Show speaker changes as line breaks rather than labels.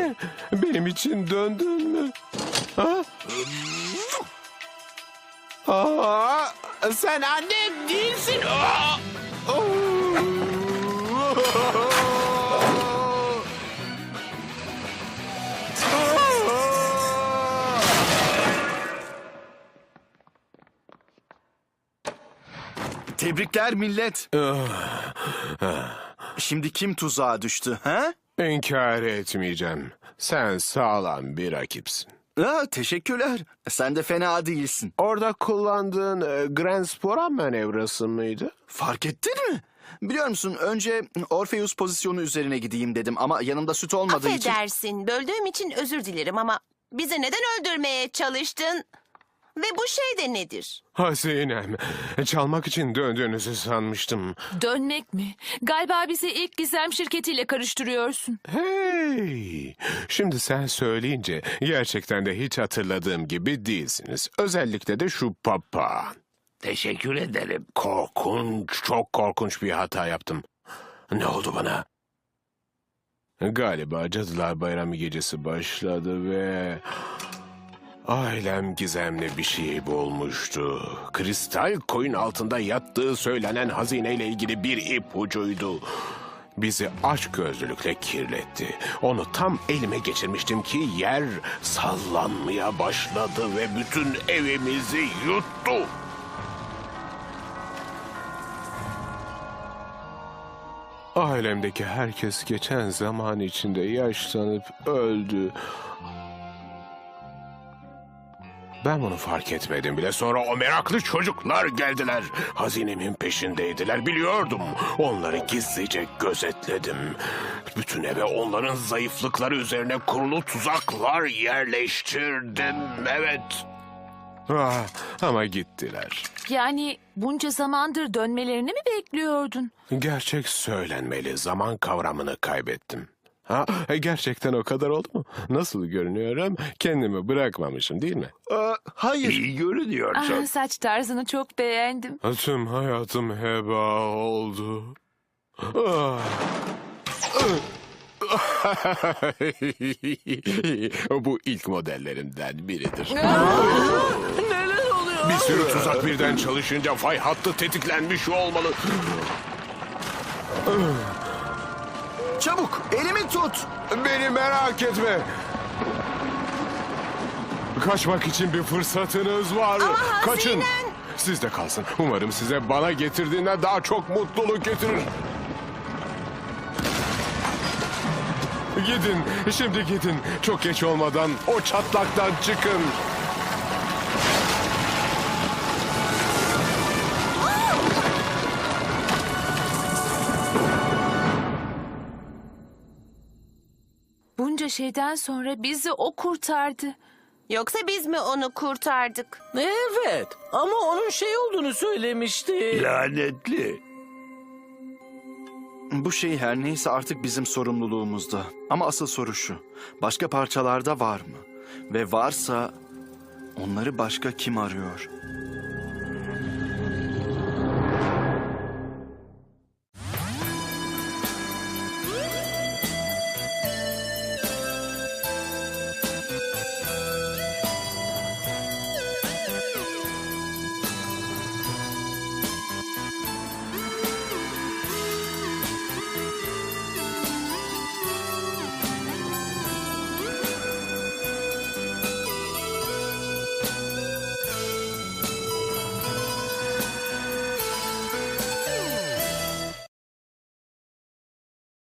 Ne? Benim için döndün mü? Ha? Aa, sen annem değilsin. Aa!
Tebrikler millet. Şimdi kim tuzağa düştü, ha?
İnkar etmeyeceğim. Sen sağlam bir rakipsin.
Teşekkürler. Sen de fena değilsin.
Orada kullandığın Grand Spora manevrası mıydı?
Fark ettin mi? Biliyor musun, önce Orpheus pozisyonu üzerine gideyim dedim ama yanımda süt olmadığı için...
Affedersin, böldüğüm için özür dilerim ama bizi neden öldürmeye çalıştın? Ve bu şey de nedir?
Hazinem, çalmak için döndüğünüzü sanmıştım.
Dönmek mi? Galiba bizi ilk gizem şirketiyle karıştırıyorsun.
Hey, şimdi sen söyleyince gerçekten de hiç hatırladığım gibi değilsiniz. Özellikle de şu papağan.
Teşekkür ederim.
Korkunç, çok korkunç bir hata yaptım. Ne oldu bana? Galiba Cadılar Bayramı gecesi başladı ve... ailem gizemli bir şey bulmuştu. Kristal koyun altında yattığı söylenen hazineyle ilgili bir ipucuydu. Bizi açgözlülükle kirletti. Onu tam elime geçirmiştim ki yer sallanmaya başladı ve bütün evimizi yuttu. Ailemdeki herkes geçen zaman içinde yaşlanıp öldü. Ben bunu fark etmedim bile. Sonra o meraklı çocuklar geldiler. Hazinemin peşindeydiler. Biliyordum. Onları gizlice gözetledim. Bütün eve onların zayıflıkları üzerine kurulu tuzaklar yerleştirdim. Evet. Ama gittiler.
Yani bunca zamandır dönmelerini mi bekliyordun?
Gerçek söylenmeli. Zaman kavramını kaybettim. Gerçekten o kadar oldu mu? Nasıl görünüyorum? Kendimi bırakmamışım değil mi?
Hayır.
İyi görünüyorsun.
Saç tarzını çok beğendim.
Tüm hayatım heba oldu. Bu ilk modellerimden biridir.
Neler oluyor?
Bir sürü tuzak birden çalışınca fay hattı tetiklenmiş olmalı.
Çabuk, elimi tut.
Beni merak etme. Kaçmak için bir fırsatınız var.
Ama hazinen...
Kaçın. Sizde kalsın. Umarım size bana getirdiğinden daha çok mutluluk getirir. Gidin. Şimdi gidin. Çok geç olmadan o çatlaktan çıkın.
Bunca şeyden sonra bizi o kurtardı.
Yoksa biz mi onu kurtardık?
Evet ama onun şey olduğunu söylemişti.
Lanetli.
Bu şey her neyse artık bizim sorumluluğumuzda. Ama asıl soru şu. Başka parçalarda var mı? Ve varsa onları başka kim arıyor?